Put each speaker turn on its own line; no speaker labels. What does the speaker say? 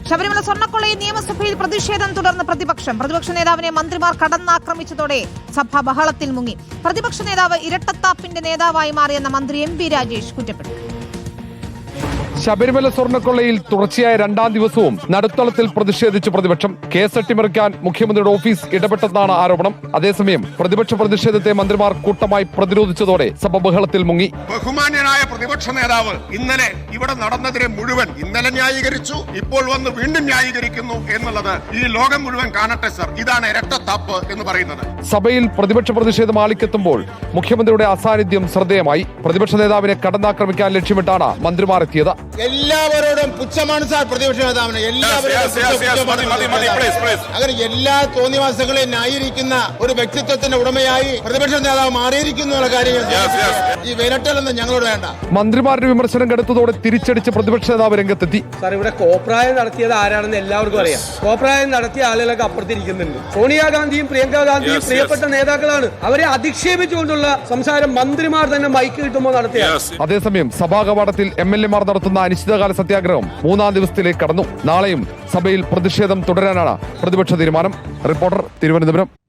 ശബരിമല സ്വർണ്ണക്കൊള്ളയിൽ നിയമസഭയിൽ പ്രതിഷേധം തുടർന്ന് പ്രതിപക്ഷ നേതാവിനെ മന്ത്രിമാർ കടന്നാക്രമിച്ചതോടെ സഭ ബഹളത്തിൽ മുങ്ങി. പ്രതിപക്ഷ നേതാവ് ഇരട്ടത്താപ്പിന്റെ നേതാവായി മാറിയെന്ന മന്ത്രി എം പി രാജേഷ് കുറ്റപ്പെടുത്തി.
ശബരിമല സ്വർണ്ണക്കൊള്ളയിൽ തുടർച്ചയായ രണ്ടാം ദിവസവും നടുത്തളത്തിൽ പ്രതിഷേധിച്ച് പ്രതിപക്ഷം. കേസ് അട്ടിമറിക്കാൻ മുഖ്യമന്ത്രിയുടെ ഓഫീസ് ഇടപെട്ടെന്നാണ് ആരോപണം. അതേസമയം പ്രതിപക്ഷ പ്രതിഷേധത്തെ മന്ത്രിമാർ കൂട്ടമായി പ്രതിരോധിച്ചതോടെ സഭ ബഹളത്തിൽ മുങ്ങി.
ബഹുമാന്യനായ പ്രതിപക്ഷ നേതാവ് ഇന്നലെ ഇവിടെ നടന്നതിനെ മുഴുവൻ ഇന്നലെ ന്യായീകരിച്ചു, ഇപ്പോൾ വന്ന് വീണ്ടും ന്യായീകരിക്കുന്നു എന്നുള്ളത് ഈ ലോകം മുഴുവൻ കാണട്ടെ സർ. ഇതാണ് ഇരട്ടത്താപ്പ് എന്ന് പറയുന്നത്.
സഭയിൽ പ്രതിപക്ഷ പ്രതിഷേധം ആളിക്കെത്തുമ്പോൾ മുഖ്യമന്ത്രിയുടെ അസാന്നിധ്യം ശ്രദ്ധേയമായി. പ്രതിപക്ഷ നേതാവിനെ കടന്നാക്രമിക്കാൻ ലക്ഷ്യമിട്ടാണ് മന്ത്രിമാർ എത്തിയത്.
എല്ലാവരോടും പുച്ഛമാണ് സാർ പ്രതിപക്ഷ നേതാവിന്. അങ്ങനെ എല്ലാ തോന്നിവാസങ്ങളെയും ന്യായീകരിക്കുന്ന ഒരു വ്യക്തിത്വത്തിന്റെ ഉടമയായി പ്രതിപക്ഷ നേതാവ് മാറിയിരിക്കുന്നു എന്നുള്ള കാര്യം ഈ വിരട്ടലൊന്നും ഞങ്ങളോട് വേണ്ട.
മന്ത്രിമാരുടെ വിമർശനം കടുത്തതോടെ തിരിച്ചടിച്ച് പ്രതിപക്ഷ നേതാവ് രംഗത്തെത്തി.
സാർ, ഇവിടെ കോപ്രായം നടത്തിയത് ആരാണെന്ന് എല്ലാവർക്കും അറിയാം. കോപ്രായം നടത്തിയ ആളുകളൊക്കെ അപ്പുറത്തിരിക്കുന്നുണ്ട്. സോണിയാഗാന്ധിയും പ്രിയങ്ക ഗാന്ധിയും പ്രിയപ്പെട്ട നേതാക്കളാണ്. അവരെ അധിക്ഷേപിച്ചുകൊണ്ടുള്ള സംസാരം മന്ത്രിമാർ തന്നെ മൈക്ക് കിട്ടുമ്പോൾ നടത്തിയ.
അതേസമയം സഭാ കവാടത്തിൽ MLA മാർ നടത്തുന്ന അനിശ്ചിതകാല സത്യാഗ്രഹം 3-ാം ദിവസത്തിലേക്ക് കടന്നു. നാളെയും സഭയിൽ പ്രതിഷേധം തുടരാനാണ് പ്രതിപക്ഷ തീരുമാനം. റിപ്പോർട്ടർ, തിരുവനന്തപുരം.